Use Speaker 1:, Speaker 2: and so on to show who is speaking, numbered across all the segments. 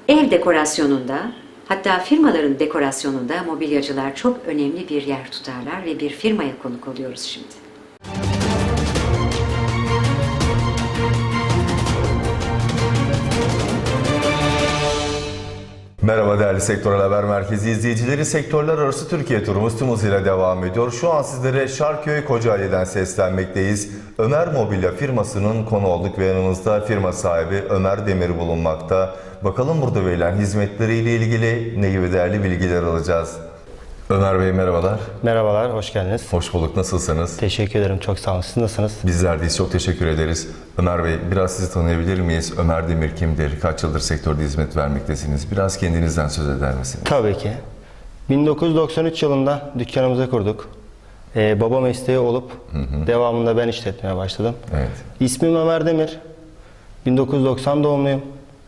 Speaker 1: Ev dekorasyonunda, hatta firmaların dekorasyonunda mobilyacılar çok önemli bir yer tutarlar ve bir firmaya konuk oluyoruz şimdi.
Speaker 2: Merhaba değerli Sektörel Haber Merkezi izleyicileri. Sektörler arası Türkiye turumuz tüm hızıyla devam ediyor. Şu an sizlere Şarköy Kocaeli'den seslenmekteyiz. Ömer Mobilya firmasının konu olduk ve yanımızda firma sahibi Ömer Demir bulunmakta. Bakalım burada verilen hizmetleriyle ilgili ne gibi değerli bilgiler alacağız. Ömer Bey merhabalar.
Speaker 3: Merhabalar, hoş geldiniz.
Speaker 2: Hoş bulduk. Nasılsınız?
Speaker 3: Teşekkür ederim, çok sağ olun. Siz nasılsınız?
Speaker 2: Bizler deyiz. Çok teşekkür ederiz. Ömer Bey, biraz sizi tanıyabilir miyiz? Ömer Demir kimdir? Kaç yıldır sektörde hizmet vermektesiniz? Biraz kendinizden söz eder misiniz?
Speaker 3: Tabii ki. 1993 yılında dükkanımızı kurduk. Baba mesleği olup devamında ben işletmeye başladım.
Speaker 2: Evet.
Speaker 3: İsmim Ömer Demir. 1990 doğumluyum.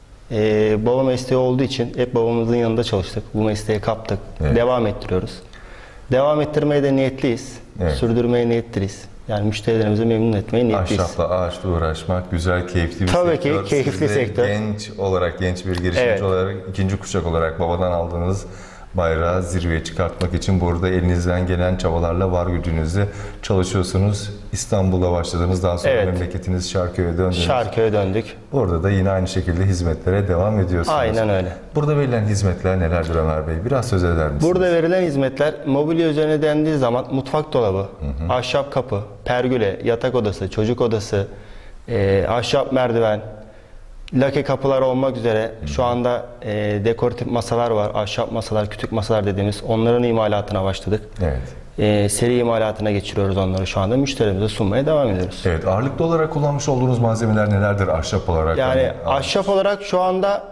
Speaker 3: Baba mesleği olduğu için hep babamızın yanında çalıştık. Bu mesleği kaptık.
Speaker 2: Evet.
Speaker 3: Devam ettiriyoruz. Devam ettirmeye de niyetliyiz.
Speaker 2: Evet.
Speaker 3: Sürdürmeye niyetliyiz. Yani müşterilerimizi memnun etmeye niyetliyiz.
Speaker 2: Ahşapla, ağaçla uğraşmak güzel, keyifli bir
Speaker 3: Tabii
Speaker 2: sektör.
Speaker 3: ki, keyifli
Speaker 2: Siz de
Speaker 3: sektör.
Speaker 2: genç bir girişimci
Speaker 3: Evet.
Speaker 2: olarak, ikinci kuşak olarak babadan aldığınız bayrağı zirveye çıkartmak için burada elinizden gelen çabalarla var gücünüzle çalışıyorsunuz. İstanbul'da başladınız, daha sonra
Speaker 3: Evet.
Speaker 2: memleketiniz Şarköy'e döndünüz.
Speaker 3: Şarköy'e döndük.
Speaker 2: Orada da yine aynı şekilde hizmetlere devam ediyorsunuz.
Speaker 3: Aynen öyle.
Speaker 2: Burada verilen hizmetler nelerdir Ömer Bey? Biraz söz eder misiniz?
Speaker 3: Burada verilen hizmetler mobilya üzerine dendiği zaman mutfak dolabı, ahşap kapı, pergüle, yatak odası, çocuk odası, ahşap merdiven, lake kapılar olmak üzere şu anda dekoratif masalar var, ahşap masalar, kütük masalar dediğimiz onların imalatına başladık.
Speaker 2: Evet.
Speaker 3: Seri imalatına geçiriyoruz onları şu anda. Müşterimize sunmaya devam ediyoruz.
Speaker 2: Evet, ağırlıklı olarak kullanmış olduğunuz malzemeler nelerdir ahşap olarak?
Speaker 3: Yani ahşap olarak şu anda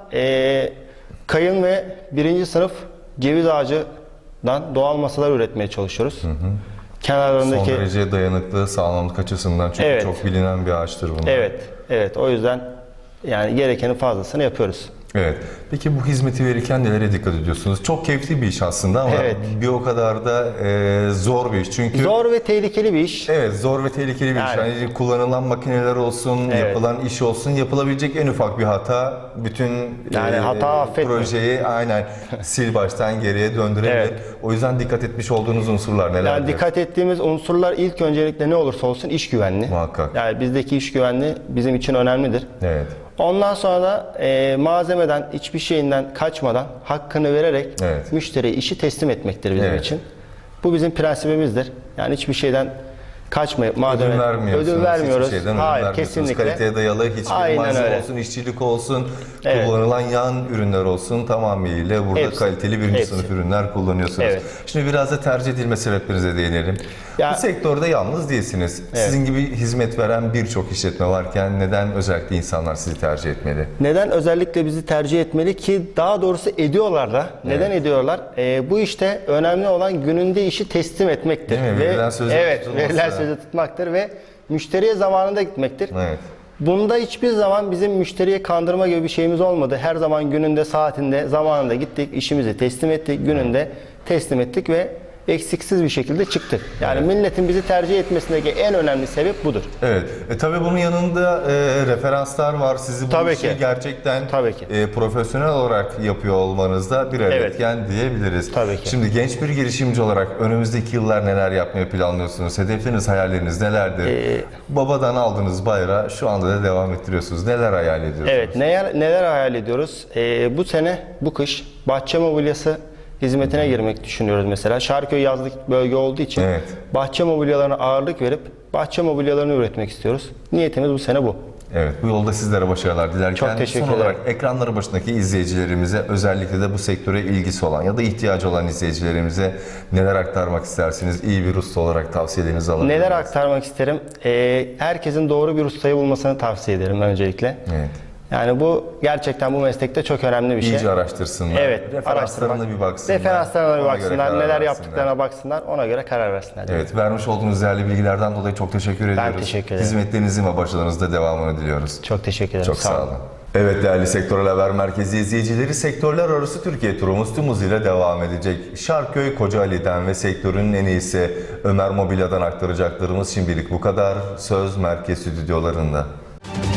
Speaker 3: kayın ve birinci sınıf ceviz ağacından doğal masalar üretmeye çalışıyoruz. Kenarlarındaki...
Speaker 2: Son derece dayanıklı, sağlamlık açısından çünkü
Speaker 3: Evet.
Speaker 2: çok bilinen bir ağaçtır bunlar.
Speaker 3: Evet. O yüzden yani gerekenin fazlasını yapıyoruz.
Speaker 2: Evet. Peki bu hizmeti verirken nelere dikkat ediyorsunuz? Çok keyifli bir iş aslında ama
Speaker 3: Evet.
Speaker 2: bir o kadar da zor bir iş. Çünkü
Speaker 3: Zor ve tehlikeli bir iş.
Speaker 2: evet, zor ve tehlikeli bir iş.
Speaker 3: Yani.
Speaker 2: Yani kullanılan makineler olsun,
Speaker 3: Evet.
Speaker 2: yapılan iş olsun, yapılabilecek en ufak bir hata bütün
Speaker 3: Yani hata affetmiyor.
Speaker 2: projeyi aynen sil baştan geriye döndürebilir.
Speaker 3: Evet.
Speaker 2: O yüzden dikkat etmiş olduğunuz unsurlar nelerdir?
Speaker 3: Yani dikkat ettiğimiz unsurlar ilk öncelikle ne olursa olsun iş güvenliği.
Speaker 2: Muhakkak.
Speaker 3: Yani bizdeki iş güvenliği bizim için önemlidir.
Speaker 2: Evet.
Speaker 3: Ondan sonra da malzemeden, hiçbir şeyinden kaçmadan hakkını vererek
Speaker 2: Evet.
Speaker 3: müşteriye işi teslim etmektir bizim
Speaker 2: Evet.
Speaker 3: için. Bu bizim prensibimizdir. Yani hiçbir şeyden kaçmayıp
Speaker 2: Ödün vermiyorsunuz.
Speaker 3: ödül vermiyoruz.
Speaker 2: Hiçbir şeyden ödün
Speaker 3: Hayır,
Speaker 2: vermiyorsunuz.
Speaker 3: kesinlikle.
Speaker 2: Kaliteye dayalı hiçbir
Speaker 3: Aynen
Speaker 2: malzeme
Speaker 3: öyle.
Speaker 2: olsun, işçilik olsun,
Speaker 3: Evet.
Speaker 2: kullanılan yan ürünler olsun tamamıyla burada
Speaker 3: Hepsi.
Speaker 2: kaliteli birinci
Speaker 3: Hepsi.
Speaker 2: sınıf ürünler kullanıyorsunuz.
Speaker 3: Evet.
Speaker 2: Şimdi biraz da tercih edilme sebeplerinize değinelim.
Speaker 3: Ya-
Speaker 2: Bu sektörde yalnız değilsiniz.
Speaker 3: Evet.
Speaker 2: Sizin gibi hizmet veren birçok işletme varken neden özellikle insanlar sizi tercih etmeli?
Speaker 3: Neden özellikle bizi tercih etmeli ki daha doğrusu ediyorlar da. Neden ediyorlar? Bu işte önemli olan gününde işi teslim etmektir.
Speaker 2: Değil mi? Verilen sözü
Speaker 3: evet,
Speaker 2: tutulması.
Speaker 3: verilen sözü tutmaktır ve müşteriye zamanında gitmektir.
Speaker 2: Evet.
Speaker 3: Bunda hiçbir zaman bizim müşteriye kandırma gibi bir şeyimiz olmadı. Her zaman gününde, saatinde, zamanında gittik, işimizi teslim ettik, gününde teslim ettik ve eksiksiz bir şekilde çıktık. Yani milletin bizi tercih etmesindeki en önemli sebep budur.
Speaker 2: Evet. Tabii bunun yanında referanslar var. Sizi bu
Speaker 3: Tabii
Speaker 2: işi
Speaker 3: ki.
Speaker 2: gerçekten
Speaker 3: Tabii ki.
Speaker 2: Profesyonel olarak yapıyor olmanızda bir
Speaker 3: Evet.
Speaker 2: etken diyebiliriz.
Speaker 3: Tabii ki.
Speaker 2: Şimdi genç bir girişimci olarak önümüzdeki yıllar neler yapmayı planlıyorsunuz? Hedefleriniz, hayalleriniz nelerdir? Babadan aldığınız bayrağı şu anda da devam ettiriyorsunuz. Neler hayal ediyorsunuz?
Speaker 3: Evet, neler hayal ediyoruz? Bu sene, bu kış bahçe mobilyası hizmetine girmek düşünüyoruz mesela. Şarköy yazlık bölge olduğu için
Speaker 2: Evet.
Speaker 3: bahçe mobilyalarına ağırlık verip bahçe mobilyalarını üretmek istiyoruz. Niyetimiz bu sene bu.
Speaker 2: Evet, bu yolda sizlere başarılar dilerken
Speaker 3: Çok teşekkür
Speaker 2: son olarak
Speaker 3: ederim.
Speaker 2: ekranları başındaki izleyicilerimize, özellikle de bu sektöre ilgisi olan ya da ihtiyacı olan izleyicilerimize neler aktarmak istersiniz? İyi bir usta olarak tavsiyelerinizi alabilir
Speaker 3: Neler
Speaker 2: miyiz?
Speaker 3: aktarmak isterim? Herkesin doğru bir ustayı bulmasını tavsiye ederim öncelikle.
Speaker 2: Evet.
Speaker 3: Yani bu gerçekten bu meslekte çok önemli bir şey.
Speaker 2: İyice araştırsınlar.
Speaker 3: Evet,
Speaker 2: Referanslarına
Speaker 3: araştırmak.
Speaker 2: bir baksınlar.
Speaker 3: Referanslarına bir
Speaker 2: Ona göre
Speaker 3: baksınlar,
Speaker 2: karar
Speaker 3: neler
Speaker 2: versinler.
Speaker 3: yaptıklarına baksınlar, ona göre karar versinler.
Speaker 2: Evet, vermiş olduğunuz değerli bilgilerden dolayı çok teşekkür ediyoruz.
Speaker 3: teşekkür ederim.
Speaker 2: Hizmetlerinizin ve başarınızda devamını diliyoruz.
Speaker 3: Çok teşekkür ederim.
Speaker 2: Çok sağ olun. Evet değerli Sektörel Haber Merkezi izleyicileri, sektörler arası Türkiye turumuz tüm hızıyla devam edecek. Şarköy Kocaeli'den ve sektörün en iyisi Ömer Mobilya'dan aktaracaklarımız şimdilik bu kadar. Söz merkez stüdyolarında.